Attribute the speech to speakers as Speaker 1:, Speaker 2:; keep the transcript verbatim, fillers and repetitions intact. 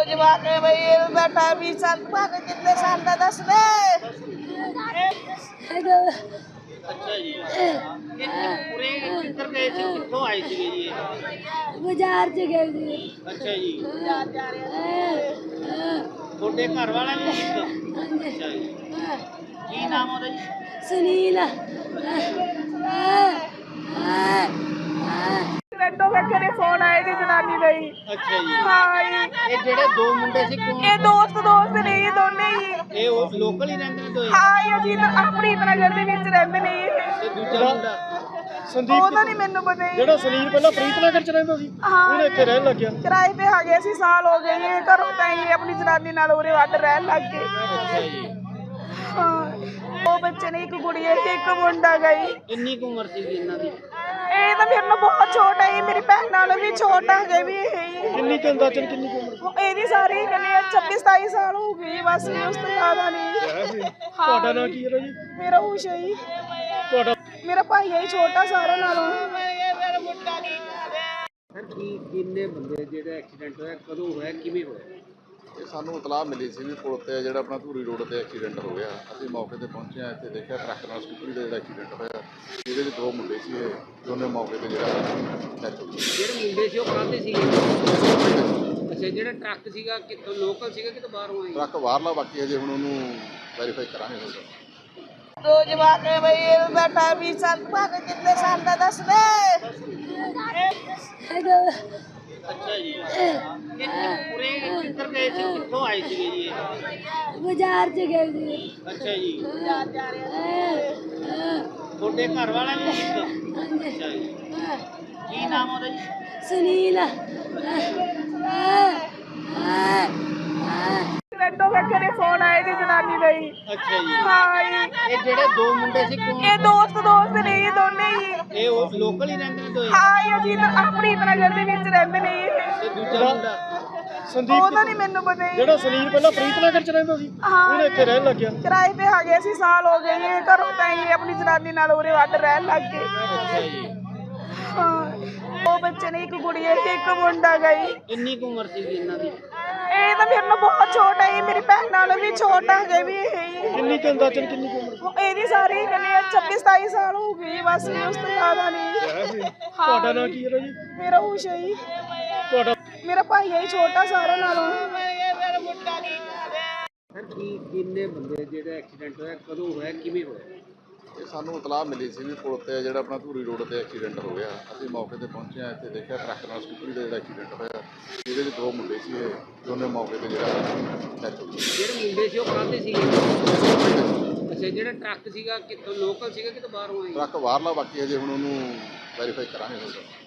Speaker 1: ਜਵਾ ਕੇ ਬਈ ਬੈਠਾ ਵੀ ਸਾਲ ਪਾ ਕੇ ਕਿੰਨੇ ਸਾਲ ਦਾ ਦੱਸ ਦੇ।
Speaker 2: अच्छा जी, ये पूरे किधर गए थे, कितों आए थे जी?
Speaker 3: बाजार से गए थे।
Speaker 2: अच्छा जी, थोड़े घर वाला भी ठीक? अच्छा जी, की नाम होता जी?
Speaker 3: सुनील।
Speaker 1: ਰੈਂਟੋ ਵੇਖੇ ਨੇ ਫੋਨ ਆਏ ਜੀ ਜਨਾਨੀ ਦਾ ਹੀ।
Speaker 2: अच्छा जी,
Speaker 1: ਹਾਂ ਜੀ,
Speaker 2: ये जेड़े दो मुंडे सी कौन?
Speaker 1: ਇਹ ਦੋਸਤ ਦੋਸਤ ਨੇ ਇਹ ਦੋਨੇ ਹੀ।
Speaker 2: ये वो लोकल ही रहते ने दो?
Speaker 1: ਹਾਂ ਇਹ ਜੀ ਆਪਣੀ ਨਗਰ ਦੇ ਵਿੱਚ ਰਹਿੰਦੇ ਨੇ ਇਹ।
Speaker 2: ते दूसरा मुंडा
Speaker 4: ਸੰਦੀਪ
Speaker 1: ਉਹਦਾ ਨਹੀਂ ਮੈਨੂੰ ਪਤਾ ਜੀ।
Speaker 4: ਜਿਹੜਾ ਸੁਨੀਲ ਪਹਿਲਾਂ ਪ੍ਰੀਤਨਗਰ ਚ ਰਹਿੰਦਾ ਸੀ
Speaker 1: ਹਾਂ
Speaker 4: ਉਹਨੇ ਇੱਥੇ ਰਹਿਣ ਲੱਗਿਆ।
Speaker 1: ਕਿਰਾਏ ਤੇ ਆ ਗਏ ਸੀ, ਸਾਲ ਹੋ ਗਏ ਇਹ ਘਰੋਂ ਤਾਂ ਹੀ ਆਪਣੀ ਜਨਾਨੀ ਨਾਲ ਉਰੇ ਵੱਡ ਰਹਿਣ ਲੱਗ ਗਏ।
Speaker 2: अच्छा जी,
Speaker 1: ਹਾਂ ਉਹ ਬੱਚੇ ਨੇ, ਇੱਕ ਕੁੜੀ ਹੈ ਤੇ ਇੱਕ ਮੁੰਡਾ ਗਈ।
Speaker 2: किन्नी की उम्र सी इन्हां दी?
Speaker 1: ਇਹ ਤਾਂ ਮੇਰੇ ਨਾਲ ਬਹੁਤ ਛੋਟਾ ਹੈ, ਮੇਰੀ ਭੈਣ ਨਾਲੋਂ ਵੀ ਛੋਟਾ ਹੈ ਵੀ ਇਹ।
Speaker 4: ਕਿੰਨੀ ਕੁ ਅੰਦਾਜ਼ਨ ਕਿੰਨੀ ਕੁ ਉਮਰ
Speaker 1: ਇਹਦੀ ਸਾਰੀ ਕਹਿੰਦੇ ਛੱਬੀ ਸਤਾਈ ਸਾਲ ਹੋ ਗਈ ਬਸ, ਇਹ ਉਸ ਤੋਂ ਜ਼ਿਆਦਾ ਨਹੀਂ।
Speaker 4: ਹੈ? ਤੁਹਾਡਾ ਨਾਂ ਕੀ ਹੈ ਜੀ?
Speaker 1: ਮੇਰਾ ਊਸ਼ਾ ਹੀ,
Speaker 4: ਤੁਹਾਡਾ
Speaker 1: ਮੇਰਾ ਭਾਈ ਹੈ ਛੋਟਾ ਸਾਰਿਆਂ ਨਾਲੋਂ।
Speaker 2: सर की किन्ने बंदे जेड़ा एक्सीडेंट होया, कदों होया, किवें होया?
Speaker 5: ਇਹ ਸਾਨੂੰ ਇਤਲਾਹ ਮਿਲੀ ਸੀ ਵੀ ਪੁਲ ਤੇ ਜਿਹੜਾ ਆਪਣਾ ਧੂਰੀ ਰੋਡ ਤੇ ਐਕਸੀਡੈਂਟ ਹੋ ਗਿਆ। ਅਸੀਂ ਮੌਕੇ ਤੇ ਪਹੁੰਚੇ ਹਾਂ, ਇੱਥੇ ਦੇਖਿਆ ਟਰੱਕ ਨਾਲ ਸਕੂਟਰੀ ਦਾ ਜਿਹੜਾ ਐਕਸੀਡੈਂਟ ਹੋਇਆ, ਇਹਦੇ ਵਿੱਚ ਦੋ ਮੁੰਡੇ ਸੀ, ਇਹ ਦੋਨੇ ਮੌਕੇ ਤੇ ਜਿਹੜਾ ਡੈਥ ਹੋ ਗਈ।
Speaker 2: ਜਿਹੜੇ ਮੁੰਡੇ ਸੀ ਉਹ ਕਾਹਦੇ ਸੀਗੇ? ਅੱਛਾ, ਜਿਹੜਾ ਟਰੱਕ ਸੀਗਾ ਕਿੱਥੋਂ ਲੋਕਲ ਸੀਗਾ ਕਿਤੋਂ ਬਾਹਰੋਂ ਆਇਆ?
Speaker 5: ਟਰੱਕ ਬਾਹਰਲਾ, ਬਾਕੀ ਹਜੇ ਹੁਣ ਉਹਨੂੰ ਵੈਰੀਫਾਈ ਕਰਾਂਗੇ ਹੋਗਾ।
Speaker 1: ਦੋ ਜਵਾ ਕੇ ਬਈ ਬੈਠਾ ਵੀ ਸਾਲ ਪਾ ਕੇ ਕਿੰਨੇ ਸਾਲ ਦਾ ਦੱਸ ਦੇ।
Speaker 2: अच्छा जी, ये पूरे किधर गए थे, कितों आए थे जी?
Speaker 3: बाजार से गए थे।
Speaker 2: अच्छा जी, थोड़े घर वाला भी ठीक? अच्छा जी, की नाम होता जी?
Speaker 3: सुनील।
Speaker 1: ਰੈਂਟੋ ਵੇਖੇ ਨੇ ਫੋਨ ਆਏ ਜੀ ਜਨਾਨੀ ਦਾ ਹੀ।
Speaker 2: अच्छा जी,
Speaker 1: ਹਾਂ ਜੀ,
Speaker 2: ये जेड़े दो मुंडे सी कौन?
Speaker 1: ਇਹ ਦੋਸਤ ਦੋਸਤ ਨੇ ਇਹ ਦੋਨੇ ਹੀ।
Speaker 2: ये वो लोकल ही रहते ने दो?
Speaker 1: ਹਾਂ ਇਹ ਜੀ ਆਪਣੀ ਨਗਰ ਦੇ ਵਿੱਚ ਰਹਿੰਦੇ ਨੇ ਇਹ।
Speaker 2: ते दूसरा मुंडा
Speaker 4: ਸੰਦੀਪ
Speaker 1: ਉਹਦਾ ਨਹੀਂ ਮੈਨੂੰ ਪਤਾ ਜੀ।
Speaker 4: ਜਿਹੜਾ ਸੁਨੀਲ ਪਹਿਲਾਂ ਪ੍ਰੀਤਨਗਰ ਚ ਰਹਿੰਦਾ ਸੀ
Speaker 1: ਹਾਂ
Speaker 4: ਉਹਨੇ ਇੱਥੇ ਰਹਿਣ ਲੱਗਿਆ।
Speaker 1: ਕਿਰਾਏ ਤੇ ਆ ਗਏ ਸੀ, ਸਾਲ ਹੋ ਗਏ ਇਹ ਘਰੋਂ ਤਾਂ ਹੀ ਆਪਣੀ ਜਨਾਨੀ ਨਾਲ ਉਰੇ ਵੱਡ ਰਹਿਣ ਲੱਗ ਗਏ।
Speaker 2: अच्छा जी,
Speaker 1: ਹਾਂ ਉਹ ਬੱਚੇ ਨੇ, ਇੱਕ ਕੁੜੀ ਹੈ ਤੇ ਇੱਕ ਮੁੰਡਾ ਗਈ।
Speaker 2: किन्नी की उम्र सी इन्हां दी?
Speaker 1: ਇਹ ਤਾਂ ਮੇਰੇ ਨਾਲ ਬਹੁਤ ਛੋਟਾ ਹੈ, ਮੇਰੀ ਭੈਣ ਨਾਲੋਂ ਵੀ ਛੋਟਾ ਹੈ ਵੀ ਇਹ।
Speaker 4: ਕਿੰਨੀ ਕੁ ਅੰਦਾਜ਼ਨ ਕਿੰਨੀ ਕੁ ਉਮਰ
Speaker 1: ਇਹਦੀ ਸਾਰੀ ਕਹਿੰਦੇ ਛੱਬੀ ਸਤਾਈ ਸਾਲ ਹੋ ਗਈ ਬਸ, ਇਹ ਉਸ ਤੋਂ ਜ਼ਿਆਦਾ ਨਹੀਂ।
Speaker 4: ਹੈ? ਤੁਹਾਡਾ ਨਾਂ ਕੀ ਹੈ ਜੀ?
Speaker 1: ਮੇਰਾ ਊਸ਼ਾ ਹੀ,
Speaker 4: ਤੁਹਾਡਾ
Speaker 1: ਮੇਰਾ ਭਾਈ ਹੈ ਛੋਟਾ ਸਾਰਿਆਂ ਨਾਲੋਂ।
Speaker 2: सर की किन्ने बंदे जेड़ा एक्सीडेंट होया, कदों होया, किवें होया?
Speaker 5: ਇਹ ਸਾਨੂੰ ਇਤਲਾਹ ਮਿਲੀ ਸੀ ਵੀ ਪੁਲ ਤੇ ਜਿਹੜਾ ਆਪਣਾ ਧੂਰੀ ਰੋਡ ਤੇ ਐਕਸੀਡੈਂਟ ਹੋ ਗਿਆ। ਅਸੀਂ ਮੌਕੇ ਤੇ ਪਹੁੰਚੇ ਹਾਂ, ਇੱਥੇ ਦੇਖਿਆ ਟਰੱਕ ਨਾਲ ਸਕੂਟਰੀ ਦਾ ਜਿਹੜਾ ਐਕਸੀਡੈਂਟ ਹੋਇਆ, ਇਹਦੇ ਵਿੱਚ ਦੋ ਮੁੰਡੇ ਸੀ, ਇਹ ਦੋਨੇ ਮੌਕੇ ਤੇ ਜਿਹੜਾ ਡੈਥ ਹੋ ਗਈ।
Speaker 2: ਜਿਹੜੇ ਮੁੰਡੇ ਸੀ ਉਹ ਕਾਹਦੇ ਸੀਗੇ? ਅੱਛਾ, ਜਿਹੜਾ ਟਰੱਕ ਸੀਗਾ ਕਿੱਥੋਂ ਲੋਕਲ ਸੀਗਾ ਕਿਤੋਂ ਬਾਹਰੋਂ ਆਇਆ?
Speaker 5: ਟਰੱਕ ਬਾਹਰਲਾ, ਬਾਕੀ ਹਜੇ ਹੁਣ ਉਹਨੂੰ ਵੈਰੀਫਾਈ ਕਰਾਂਗੇ ਹੋਗਾ।